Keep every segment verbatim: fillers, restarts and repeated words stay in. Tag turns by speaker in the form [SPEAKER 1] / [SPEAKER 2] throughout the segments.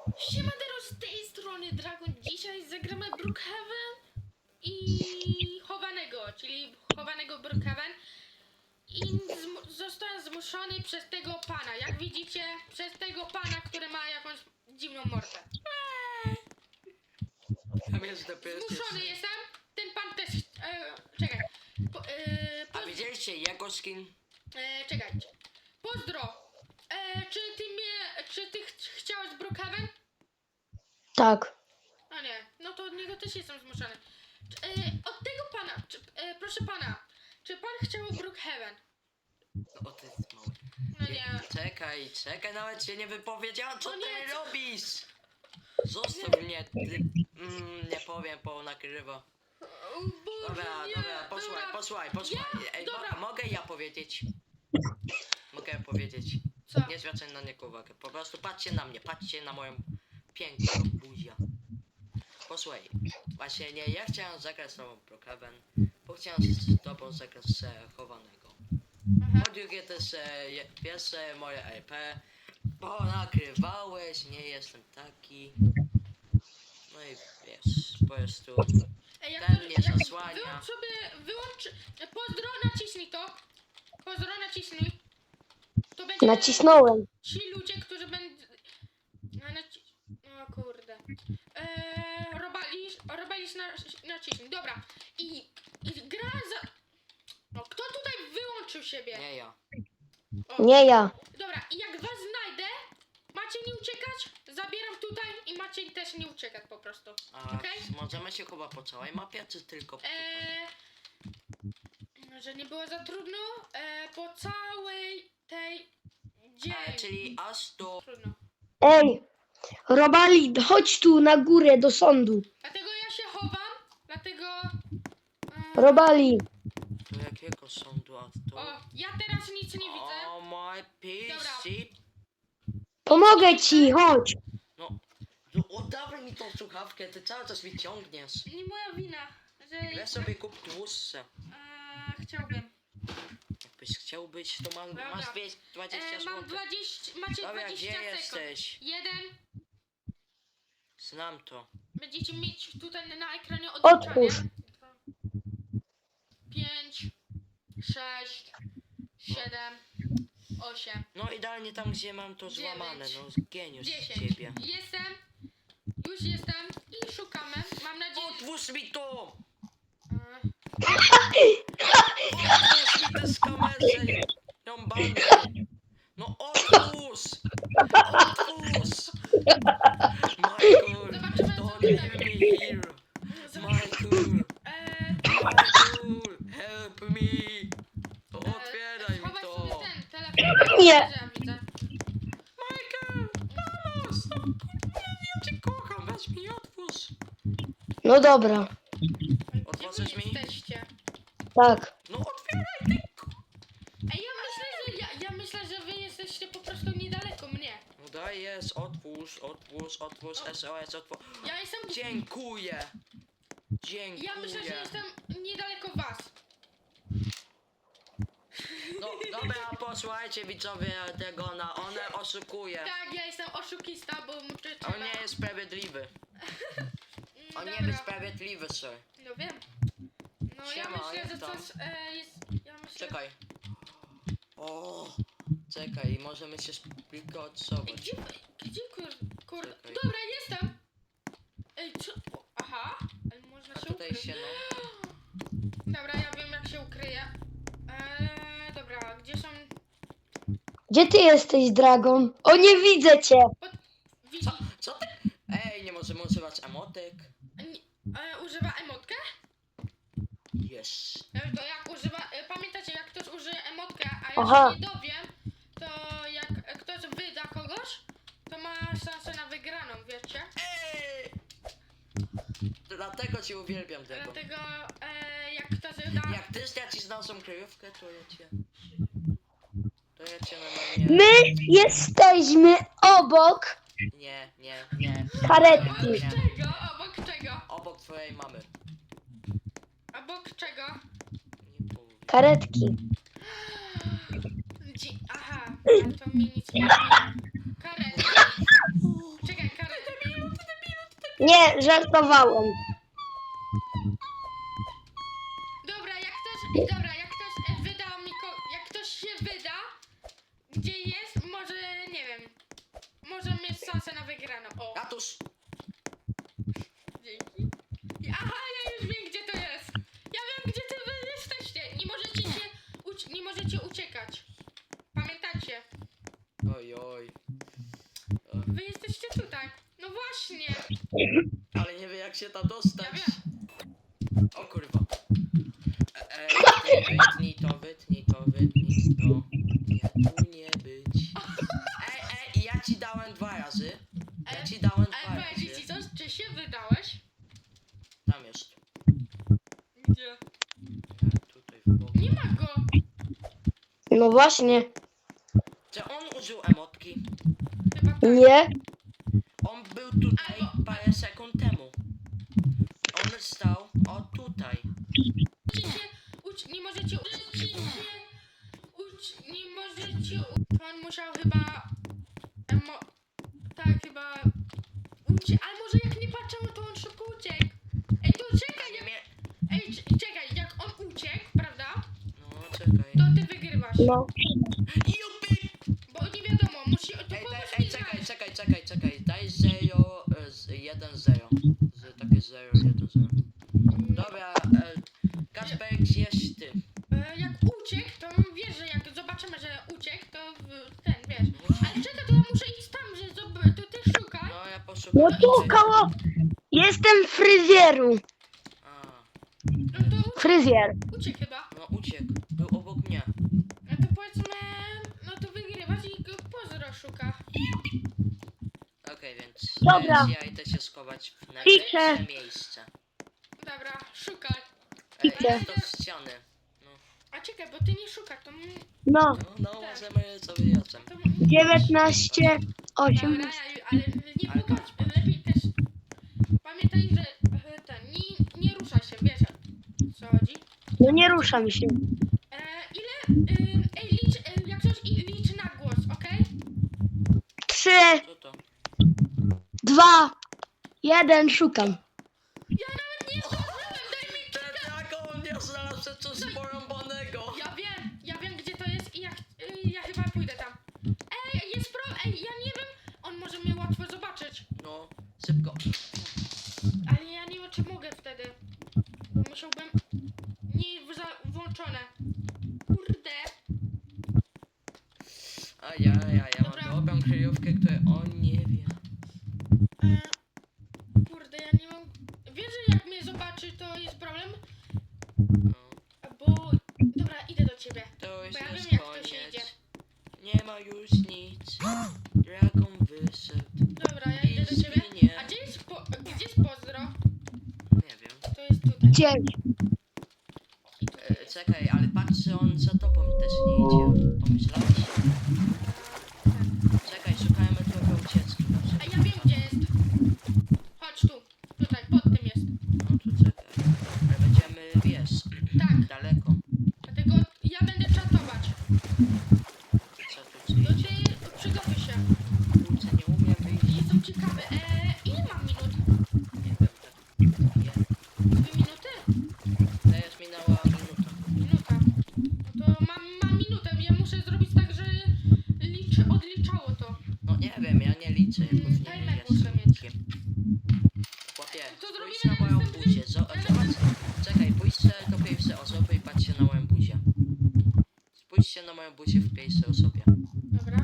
[SPEAKER 1] Siemadero, z tej strony Dragon. Dzisiaj zagramy Brookhaven i chowanego, czyli chowanego Brookhaven. I zmu zostałem zmuszony przez tego pana. Jak widzicie, przez tego pana, który ma jakąś dziwną mordę. Zmuszony jestem. Ten pan też... E, czekaj. Po, e,
[SPEAKER 2] A widzieliście jego skin?
[SPEAKER 1] e, czekajcie. Pozdro. E, czy ty mnie... Czy ty ch chciałeś Brookhaven?
[SPEAKER 3] Tak.
[SPEAKER 1] A nie, no to od niego też jestem zmuszony. Czy, e, od tego pana, czy, e, proszę pana, czy pan chciał Brookhaven?
[SPEAKER 2] No ty jest mały.
[SPEAKER 1] No nie.
[SPEAKER 2] Czekaj, czekaj, nawet się nie wypowiedziała, co
[SPEAKER 1] No
[SPEAKER 2] ty
[SPEAKER 1] nie, co-
[SPEAKER 2] robisz? Zostaw mnie, ty... Mm, nie powiem, bo nagrywa.
[SPEAKER 1] O Boże,
[SPEAKER 2] Dobra,
[SPEAKER 1] nie.
[SPEAKER 2] dobra, posłuchaj,
[SPEAKER 1] Dobra.
[SPEAKER 2] posłuchaj, posłuchaj.
[SPEAKER 1] Ja?
[SPEAKER 2] Ej,
[SPEAKER 1] Dobra.
[SPEAKER 2] mo mogę ja powiedzieć? Mogę powiedzieć.
[SPEAKER 1] Co?
[SPEAKER 2] Nie zwracaj na niego uwagę. Po prostu patrzcie na mnie, patrzcie na moją piękną buzię. Posłuchaj, właśnie nie, ja chciałem zagrać z tobą Brookhaven, bo chciałem z tobą zagrać z e, chowanego.
[SPEAKER 1] Aha.
[SPEAKER 2] Po drugie też e, je- pierwsze moje R P, bo nagrywałeś, nie jestem taki. No i wiesz, po prostu.
[SPEAKER 1] Ej, jak
[SPEAKER 2] Ten
[SPEAKER 1] to,
[SPEAKER 2] mnie
[SPEAKER 1] jak
[SPEAKER 2] zasłania.
[SPEAKER 1] wyłącz sobie, wyłącz, e, pozdro, naciśnij to. Pozdro, naciśnij. To będzie
[SPEAKER 3] Nacisnąłem.
[SPEAKER 1] ci ludzie, którzy będą... No, naci... O kurde. Eee, robalisz, robalisz na, naciśnij, dobra. I, i gra za... No, kto tutaj wyłączył siebie?
[SPEAKER 2] Nie ja.
[SPEAKER 1] O,
[SPEAKER 3] Nie ja.
[SPEAKER 1] dobra, i jak was znajdę, macie nie uciekać, zabieram tutaj i macie też nie uciekać po prostu.
[SPEAKER 2] A
[SPEAKER 1] Okej?
[SPEAKER 2] możemy się chyba po całej mapie, czy tylko tutaj?
[SPEAKER 1] Eee, że nie było za trudno, eee, po całej tej dzień.
[SPEAKER 2] E, czyli aż do...
[SPEAKER 1] Trudno.
[SPEAKER 3] Ej, Robali, chodź tu na górę do sądu.
[SPEAKER 1] Dlatego ja się chowam, dlatego... eee,
[SPEAKER 3] Robali,
[SPEAKER 2] do jakiego sądu, a to...
[SPEAKER 1] o, ja teraz nic nie widzę.
[SPEAKER 2] O my P C.
[SPEAKER 3] pomogę ci, chodź.
[SPEAKER 2] No, no oddawaj mi tą słuchawkę, ty cały czas mi ciągniesz.
[SPEAKER 1] Nie moja wina, że...
[SPEAKER 2] Weź sobie kup tłuszcze.
[SPEAKER 1] Eee, chciałbym.
[SPEAKER 2] Jakbyś chciał być, to mam,
[SPEAKER 1] Dobra.
[SPEAKER 2] masz dwieście dwadzieścia
[SPEAKER 1] Eee, mam
[SPEAKER 2] złotych.
[SPEAKER 1] dwadzieścia, macie
[SPEAKER 2] Dobra,
[SPEAKER 1] dwadzieścia
[SPEAKER 2] gdzie
[SPEAKER 1] sekund.
[SPEAKER 2] jesteś?
[SPEAKER 1] Jeden.
[SPEAKER 2] Znam to.
[SPEAKER 1] Będziecie mieć tutaj na ekranie odliczanie.
[SPEAKER 3] Otwórz.
[SPEAKER 1] Dwa, pięć, sześć, siedem, osiem,
[SPEAKER 2] No idealnie tam, gdzie mam to
[SPEAKER 1] Dziewięć.
[SPEAKER 2] złamane, no geniusz z
[SPEAKER 1] dziesięć.
[SPEAKER 2] ciebie.
[SPEAKER 1] Jestem. Już jestem i szukamy. Mam nadzieję.
[SPEAKER 2] Otwórz mi to!
[SPEAKER 1] Eee,
[SPEAKER 2] Otwórz mi te skamerze! Rąbane! No otwórz! Otwórz! Michael!
[SPEAKER 1] Zobaczymy, co
[SPEAKER 2] Don't
[SPEAKER 1] tutaj.
[SPEAKER 2] leave me here! Michael!
[SPEAKER 1] eee,
[SPEAKER 2] Michael! Help me! To otwieraj mi
[SPEAKER 1] schowaj
[SPEAKER 2] to!
[SPEAKER 1] sobie ten telefon.
[SPEAKER 3] Nie.
[SPEAKER 1] Ja widzę.
[SPEAKER 2] Michael! Pomóż! No, ja cię kocham, weź mi otwórz!
[SPEAKER 3] No dobra,
[SPEAKER 1] Gdzie wy
[SPEAKER 2] Otworzysz mi?
[SPEAKER 1] jesteście?
[SPEAKER 3] tak.
[SPEAKER 2] No otwieraj ty! k-
[SPEAKER 1] Ej, ja myślę, że ja, ja myślę, że wy jesteście po prostu niedaleko mnie.
[SPEAKER 2] No daj jest, otwórz, otwórz, otwórz, S O S, otwórz.
[SPEAKER 1] Ja jestem.
[SPEAKER 2] Dziękuję! Dziękuję!
[SPEAKER 1] Ja myślę, że jestem niedaleko was.
[SPEAKER 2] No dobra, posłuchajcie widzowie tego na one oszukuje.
[SPEAKER 1] Tak, ja jestem oszukista, bo muszę.
[SPEAKER 2] On nie jest sprawiedliwy. On nie
[SPEAKER 1] Dobra.
[SPEAKER 2] jest sprawiedliwy, sir.
[SPEAKER 1] No wiem. No ja
[SPEAKER 2] Siema,
[SPEAKER 1] myślę,
[SPEAKER 2] jak
[SPEAKER 1] że
[SPEAKER 2] tam?
[SPEAKER 1] coś e, jest. Ja myślę.
[SPEAKER 2] Czekaj. O, czekaj, możemy się
[SPEAKER 1] Ej,
[SPEAKER 2] splikocować.
[SPEAKER 1] gdzie, gdzie kur, kur...
[SPEAKER 2] Czekaj.
[SPEAKER 1] Dobra, jestem. Ej, co? O, aha, ale można
[SPEAKER 2] A
[SPEAKER 1] się
[SPEAKER 2] tutaj
[SPEAKER 1] ukryć.
[SPEAKER 2] się no.
[SPEAKER 1] Dobra, ja wiem jak się ukryje. Eee, dobra, gdzie są...
[SPEAKER 3] Gdzie ty jesteś, Dragon? O, nie widzę cię.
[SPEAKER 1] Widzi...
[SPEAKER 2] Co? Co ty? Ej, nie możemy używać emotek.
[SPEAKER 1] Nie, e, używa emotkę?
[SPEAKER 2] Yes.
[SPEAKER 1] E, to jak używa... E, pamiętacie, jak ktoś użyje emotkę, a ja
[SPEAKER 3] Aha.
[SPEAKER 1] się nie dowiem, to jak e, ktoś wyda kogoś, to ma szansę na wygraną, wiecie?
[SPEAKER 2] Ej! Dlatego cię uwielbiam tego.
[SPEAKER 1] Dlatego e, jak ktoś da...
[SPEAKER 2] Jak ty stracisz naszą kryjówkę, to ja cię... To ja cię normalnie...
[SPEAKER 3] My jesteśmy obok
[SPEAKER 2] Nie, nie, nie.
[SPEAKER 3] karetki.
[SPEAKER 1] Obok czego? Obok czego?
[SPEAKER 2] Obok twojej mamy.
[SPEAKER 1] Obok czego?
[SPEAKER 2] Nie powiem.
[SPEAKER 3] Karetki.
[SPEAKER 1] Dzi- Aha, ale to mi nic nie mówi. Karetki. Czekaj, karetki.
[SPEAKER 3] Nie, żartowałem.
[SPEAKER 1] Dobra, jak ktoś, dobra, jak ktoś e, wyda mi, ko- jak ktoś się wyda, gdzie jest, może, nie wiem, może mieć szansę na wygraną. O,
[SPEAKER 2] Ratusz!
[SPEAKER 1] dzięki. Aha, ja już wiem, gdzie to jest. Ja wiem, gdzie ty wy jesteście. Nie możecie się, uci- nie możecie uciekać. Pamiętacie?
[SPEAKER 2] Oj, oj.
[SPEAKER 1] Wy jesteście tutaj. No właśnie.
[SPEAKER 2] Ale nie wie jak się tam dostać.
[SPEAKER 1] Ja wiem.
[SPEAKER 2] O kurwa. E, e, ty wytnij to, wytnij to, wytnij to. Nie, tu nie być. Ej, ej, ja ci dałem dwa razy. Ja ci dałem dwa
[SPEAKER 1] Ale powiedzieć ci
[SPEAKER 2] razy.
[SPEAKER 1] coś, czy się wydałeś?
[SPEAKER 2] Tam jest.
[SPEAKER 1] Gdzie?
[SPEAKER 2] Nie, tutaj w boku.
[SPEAKER 1] Nie ma go.
[SPEAKER 3] No właśnie.
[SPEAKER 2] Czy on użył emotki?
[SPEAKER 1] Chyba tak.
[SPEAKER 3] Nie.
[SPEAKER 2] On był tutaj
[SPEAKER 1] Albo-
[SPEAKER 2] parę sekund temu. On stał o tutaj.
[SPEAKER 1] Możecie się uć, nie możecie uczyć się, uć, nie możecie, u- to on musiał chyba, emo, tak chyba, ucie, ale może jak nie patrzyło, to on szybko uciekł. Ej, to czekaj,
[SPEAKER 2] Nie
[SPEAKER 1] jak,
[SPEAKER 2] mie...
[SPEAKER 1] ej, c- czekaj, jak on uciekł, prawda,
[SPEAKER 2] No, czekaj.
[SPEAKER 1] to ty wygrywasz,
[SPEAKER 3] No.
[SPEAKER 2] Jupi!
[SPEAKER 1] bo nie wiadomo, musi, to
[SPEAKER 2] Ej, daj,
[SPEAKER 1] pomóż
[SPEAKER 2] ej,
[SPEAKER 1] mi
[SPEAKER 2] czekaj,
[SPEAKER 1] znaleźć.
[SPEAKER 2] czekaj, czekaj, czekaj. Daj zero, e, z- jeden zero. Z, takie zero, jeden zero. Dobra, e, Kasper, jest ty.
[SPEAKER 1] E, jak uciekł, to wiesz, że jak zobaczymy, że uciekł, to w, ten, wiesz, ale czekaj, to ja muszę iść tam, że zob- to ty szukaj.
[SPEAKER 2] No, ja poszukam.
[SPEAKER 3] No tu
[SPEAKER 2] tutaj.
[SPEAKER 3] koło. Jestem w fryzjeru.
[SPEAKER 2] A,
[SPEAKER 1] No to
[SPEAKER 3] Fryzjer.
[SPEAKER 1] uciekł chyba.
[SPEAKER 2] no uciekł. Był obok mnie.
[SPEAKER 1] No to powiedzmy, no to wygrywasz i go pozdro szuka.
[SPEAKER 2] Okej, więc
[SPEAKER 3] Dobra.
[SPEAKER 2] więc ja idę się schować w
[SPEAKER 3] Piszę.
[SPEAKER 2] najlepsze miejsce.
[SPEAKER 1] Dobra, szukaj.
[SPEAKER 2] Ej,
[SPEAKER 3] Piszę.
[SPEAKER 2] jest to z ściany. No,
[SPEAKER 1] A czekaj, bo ty nie szukasz, to... m-
[SPEAKER 3] No.
[SPEAKER 2] no, no możemy sobie razem.
[SPEAKER 1] to m-
[SPEAKER 3] dziewiętnaście,
[SPEAKER 1] Dobra,
[SPEAKER 3] osiemnaście.
[SPEAKER 1] ja- ale nie
[SPEAKER 2] Ale
[SPEAKER 1] popatrz,
[SPEAKER 2] patrz.
[SPEAKER 1] lepiej też... Pamiętaj, że e, ten, nie, nie ruszaj się, wiesz o co chodzi.
[SPEAKER 3] No nie ruszam się.
[SPEAKER 1] E, ile... E, ej, licz, e, jak coś, i- licz na głos, okej?
[SPEAKER 3] Trzy,
[SPEAKER 2] Co to?
[SPEAKER 3] dwa, jeden, szukam.
[SPEAKER 1] Ja nawet nie zdążyłem, daj mi...
[SPEAKER 2] Ten jak on nie znalazł coś porąbanego.
[SPEAKER 1] Ja wiem, ja wiem gdzie to jest i ja, ch- y, ja chyba pójdę tam. Ej, jest pro... Ej, ja nie wiem, on może mnie łatwo zobaczyć.
[SPEAKER 2] No, szybko.
[SPEAKER 1] Ale ja nie wiem, czy mogę wtedy. Bo musiałbym... Nie za, włączone. Kurde.
[SPEAKER 2] A ja, ja, ja mam
[SPEAKER 1] Dobra.
[SPEAKER 2] dobrą kryjówkę, której on nie wie.
[SPEAKER 1] E, kurde, ja nie mam... Wiesz, że jak mnie zobaczy, to jest problem?
[SPEAKER 2] No,
[SPEAKER 1] Bo... Dobra, idę do ciebie.
[SPEAKER 2] to już
[SPEAKER 1] Bo ja
[SPEAKER 2] jest
[SPEAKER 1] wiem, jak to się idzie.
[SPEAKER 2] koniec. Nie ma już nic. Dragon wyszedł.
[SPEAKER 1] Dobra, ja idę do ciebie.
[SPEAKER 2] Nie.
[SPEAKER 1] A gdzie jest, po, gdzie jest pozdro?
[SPEAKER 2] Nie wiem.
[SPEAKER 1] To jest tutaj.
[SPEAKER 3] Dziewięć.
[SPEAKER 1] I tutaj
[SPEAKER 2] E,
[SPEAKER 1] jest.
[SPEAKER 2] czekaj, ale patrzę, on za tobą też nie idzie. Pomyślałeś? Czekaj, szukajmy trochę ucieczki. na
[SPEAKER 1] A
[SPEAKER 2] przykład.
[SPEAKER 1] ja wiem gdzie jest. Chodź tu. Tutaj, pod tym jest.
[SPEAKER 2] No to czekaj. Ale będziemy, wiesz,
[SPEAKER 1] Tak.
[SPEAKER 2] daleko.
[SPEAKER 1] Dlatego ja będę czatować.
[SPEAKER 2] Co tu
[SPEAKER 1] Do
[SPEAKER 2] ci?
[SPEAKER 1] ciebie przygotuj się.
[SPEAKER 2] Kurczę, nie umiem wyjść.
[SPEAKER 1] Jestem ciekawy. Eee, ile mam minut?
[SPEAKER 2] Nie wiem, tak. Nie.
[SPEAKER 1] Dwie minuty?
[SPEAKER 2] Teraz minęła minuta.
[SPEAKER 1] Minuta. No to mam, mam minutę. Ja muszę zrobić tak, że liczy, odliczało to.
[SPEAKER 2] No nie wiem, ja nie liczę, ja
[SPEAKER 1] Mm,
[SPEAKER 2] pewnie
[SPEAKER 1] timer
[SPEAKER 2] nie
[SPEAKER 1] muszę
[SPEAKER 2] jestem
[SPEAKER 1] mieć.
[SPEAKER 2] nikim. Chłopie,
[SPEAKER 1] To
[SPEAKER 2] spójrz
[SPEAKER 1] zrobimy
[SPEAKER 2] na moją
[SPEAKER 1] następny-
[SPEAKER 2] buzię. Zo- Zobacz, czekaj, pójdźcie do pierwszej osoby i patrzcie na moją buzię. Spójrzcie na moją buzię w pierwszej osobie.
[SPEAKER 1] Dobra.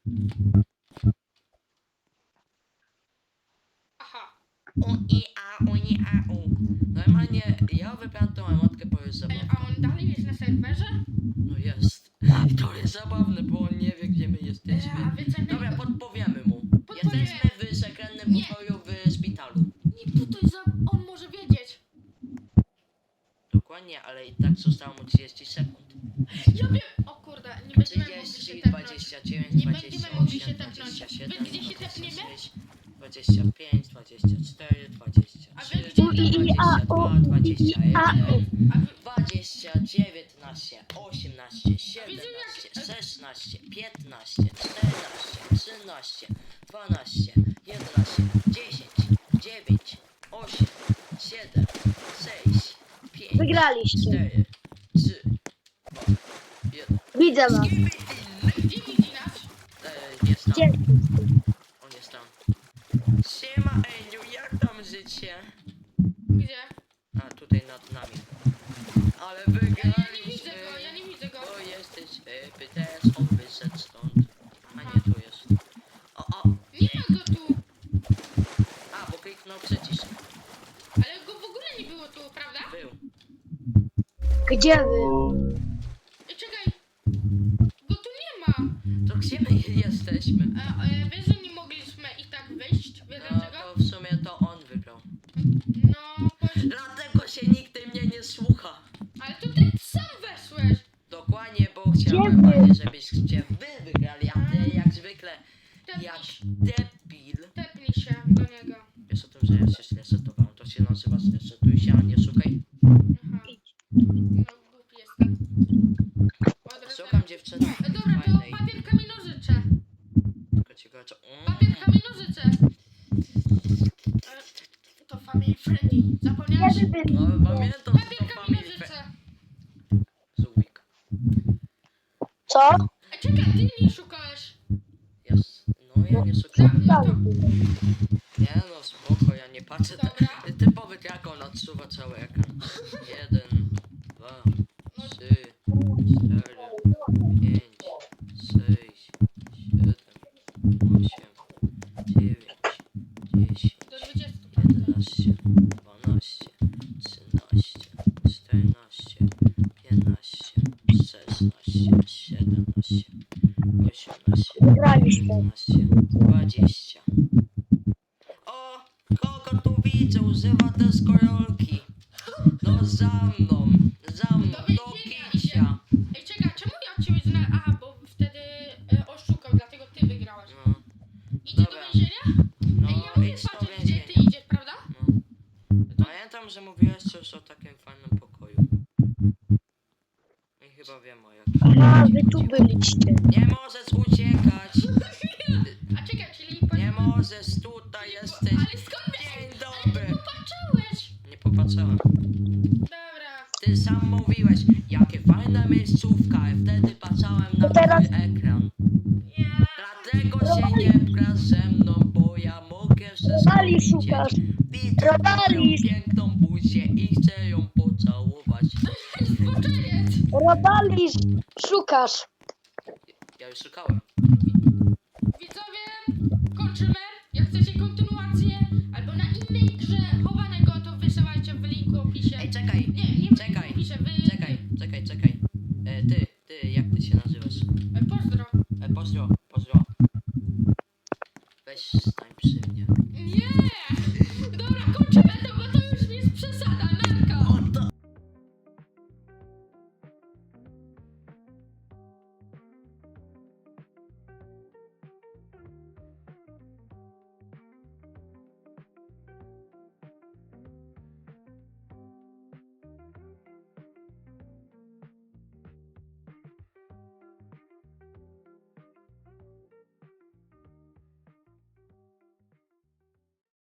[SPEAKER 1] Aha.
[SPEAKER 2] U, i, a, u, i, a, u. Normalnie, ja wybrałem tą emotkę, bo jest
[SPEAKER 1] Ej,
[SPEAKER 2] zabawna.
[SPEAKER 1] a on dalej jest na serwerze?
[SPEAKER 2] No jest. To jest zabawne, bo on nie wie, gdzie my
[SPEAKER 1] Eee,
[SPEAKER 2] jesteśmy.
[SPEAKER 1] a wy co
[SPEAKER 2] Dobra, podpowiemy mu.
[SPEAKER 1] Podpowiemy.
[SPEAKER 2] Jesteśmy w sekretnym
[SPEAKER 1] Nie.
[SPEAKER 2] pokoju w szpitalu.
[SPEAKER 1] Nie, tutaj za... On może wiedzieć.
[SPEAKER 2] Dokładnie, ale i tak zostało mu trzydzieści sekund.
[SPEAKER 1] Ja wiem. O kurde, nie będziemy mogli się
[SPEAKER 2] trzydzieści,
[SPEAKER 1] tepnąć.
[SPEAKER 2] dwadzieścia dziewięć,
[SPEAKER 1] Nie
[SPEAKER 2] dwadzieścia
[SPEAKER 1] będziemy mogli się
[SPEAKER 2] osiem,
[SPEAKER 1] tepnąć.
[SPEAKER 2] dwadzieścia
[SPEAKER 1] Wy
[SPEAKER 2] siedem,
[SPEAKER 1] gdzie się
[SPEAKER 2] dwadzieścia
[SPEAKER 1] tepniemy?
[SPEAKER 2] sześć, dwadzieścia pięć, dwadzieścia cztery, dwadzieścia
[SPEAKER 1] A wy
[SPEAKER 2] trzy,
[SPEAKER 1] gdzie-
[SPEAKER 2] dwadzieścia dwa, dwadzieścia
[SPEAKER 3] A,
[SPEAKER 2] jeden,
[SPEAKER 1] A wy...
[SPEAKER 2] dwadzieścia, dziewiętnaście, osiemnaście, siedemnaście, szesnaście, piętnaście, czternaście, trzynaście, dwanaście, jedenaście, dziesięć, dziewięć,
[SPEAKER 3] Wygraliście.
[SPEAKER 2] cztery, trzy, dwa, jeden.
[SPEAKER 3] Widzę was.
[SPEAKER 1] Gdzie widzi nas?
[SPEAKER 2] E, jest tam.
[SPEAKER 3] Gdzie?
[SPEAKER 2] On jest tam. Siema Eniu, jak tam życie?
[SPEAKER 1] Gdzie?
[SPEAKER 2] A, tutaj nad nami. Ale
[SPEAKER 1] Ja,
[SPEAKER 2] wygraliśmy.
[SPEAKER 1] ja nie widzę go, ja nie widzę go.
[SPEAKER 2] O, jesteś e, Pytes, on wyszedł stąd. A nie, tu jest. O, o,
[SPEAKER 1] Nie ma go tu.
[SPEAKER 2] a, bo kliknął przycisk.
[SPEAKER 1] Ale go w ogóle nie było tu, prawda?
[SPEAKER 2] Był.
[SPEAKER 3] Gdzie wy?
[SPEAKER 1] Ej, czekaj. Go tu nie ma.
[SPEAKER 2] To gdzie my jesteśmy?
[SPEAKER 1] A, e, wiesz, że nie mogliśmy i tak wyjść? Wiesz
[SPEAKER 2] No,
[SPEAKER 1] dlaczego?
[SPEAKER 2] to w sumie to on wygrał.
[SPEAKER 1] No, chodź.
[SPEAKER 2] Dlatego się nikt mnie nie słucha.
[SPEAKER 1] Ale to ty sam weszłeś.
[SPEAKER 2] Dokładnie, bo chciałem
[SPEAKER 3] Gdzie wy?
[SPEAKER 2] normalnie, żebyście wy wygrali, a ty jak zwykle,
[SPEAKER 1] Tepnij
[SPEAKER 2] jak
[SPEAKER 1] się,
[SPEAKER 2] debil.
[SPEAKER 1] tepnij się do niego.
[SPEAKER 2] Wiesz o tym, że ja się zresetowałem, to się nazywa zresetuj się, a nie szukaj.
[SPEAKER 1] Aha. No, głupi jestem. Od
[SPEAKER 2] Szukam
[SPEAKER 1] razu-
[SPEAKER 2] dziewczyny
[SPEAKER 1] E, Dobra, to
[SPEAKER 2] fajnej.
[SPEAKER 1] papier, kamień, nożyce.
[SPEAKER 2] Tylko ciekawe co...
[SPEAKER 1] Papier,
[SPEAKER 2] Mm.
[SPEAKER 1] kamień, nożyce. E, To family friendly. Zapomniałeś?
[SPEAKER 3] Gdzie wy byli?
[SPEAKER 2] No pamiętam, że
[SPEAKER 1] Papier,
[SPEAKER 2] to
[SPEAKER 1] kamień,
[SPEAKER 2] family
[SPEAKER 1] nożyce.
[SPEAKER 2] friend. Zubik.
[SPEAKER 3] Co?
[SPEAKER 1] A czekaj, ty nie szukałeś.
[SPEAKER 2] Jest. No ja nie
[SPEAKER 1] No,
[SPEAKER 2] szukałem.
[SPEAKER 1] no to...
[SPEAKER 2] Nie no, spoko, ja nie patrzę.
[SPEAKER 1] Dobra.
[SPEAKER 2] Ty, typowy diakon odsuwa cały ekran. Jeden, dwa, trzy, cztery, pięć, sześć, siedem, osiem, dziewięć, dziesięć,
[SPEAKER 1] Do dwudziestu.
[SPEAKER 2] jedenaście, dwanaście, trzynaście, czternaście, piętnaście, szesnaście, siedemnaście, osiemnaście,
[SPEAKER 3] Wygraliśmy.
[SPEAKER 2] dziewiętnaście, dwadzieścia. O, kogo tu widzę? Używa deskorolki. No za mną, za mną,
[SPEAKER 1] Do
[SPEAKER 2] do
[SPEAKER 1] więzienia
[SPEAKER 2] kicia.
[SPEAKER 1] Ej, czekaj, czemu ja od ciebie znalazłem? Aha, bo wtedy e, oszukał, dlatego ty wygrałeś.
[SPEAKER 2] No,
[SPEAKER 1] Idzie
[SPEAKER 2] Dobra.
[SPEAKER 1] do więzienia?
[SPEAKER 2] no
[SPEAKER 1] Ej, ja mówię
[SPEAKER 2] idź do
[SPEAKER 1] patrzeć, gdzie
[SPEAKER 2] więzienia.
[SPEAKER 1] ty idziesz, prawda?
[SPEAKER 2] No. Pamiętam, że mówiłeś coś o takim fajnym pokoju. I chyba wiem o jakim.
[SPEAKER 3] Aha, wy tu byliście.
[SPEAKER 2] Nie możesz uciekać.
[SPEAKER 1] A czekaj, czyli... po-
[SPEAKER 2] Nie możesz, tutaj jesteś.
[SPEAKER 1] Ale skąd wiesz?
[SPEAKER 2] Dzień
[SPEAKER 1] Ale
[SPEAKER 2] dobry.
[SPEAKER 1] ty popatrzyłeś.
[SPEAKER 2] Nie popatrzyłem.
[SPEAKER 1] Dobra.
[SPEAKER 2] Ty sam mówiłeś, jakie fajna miejscówka, i wtedy patrzałem na
[SPEAKER 3] To teraz-
[SPEAKER 2] twój ekran.
[SPEAKER 1] Ja...
[SPEAKER 2] Dlatego się nie pchasz ze mną, bo ja mogę wszystko
[SPEAKER 3] Robali
[SPEAKER 2] widzieć.
[SPEAKER 3] szukasz.
[SPEAKER 2] Widzę
[SPEAKER 3] Robali.
[SPEAKER 2] moją piękną buzię i chcę ją pocałować.
[SPEAKER 1] Zboczeniec.
[SPEAKER 3] Robali, szukasz.
[SPEAKER 2] Ja już szukałem.
[SPEAKER 1] Widzowie, kończymy. Jak chcecie kontynuację albo na innej grze chowanego, to wysyłajcie w linku w opisie.
[SPEAKER 2] Ej, czekaj,
[SPEAKER 1] Nie, nie w
[SPEAKER 2] czekaj,
[SPEAKER 1] linku w opisie, wy...
[SPEAKER 2] czekaj, czekaj, czekaj. E, ty, ty, jak ty się nazywasz?
[SPEAKER 1] E, Pozdro.
[SPEAKER 2] E, pozdro, pozdro. Weź stań przy mnie.
[SPEAKER 1] Nie!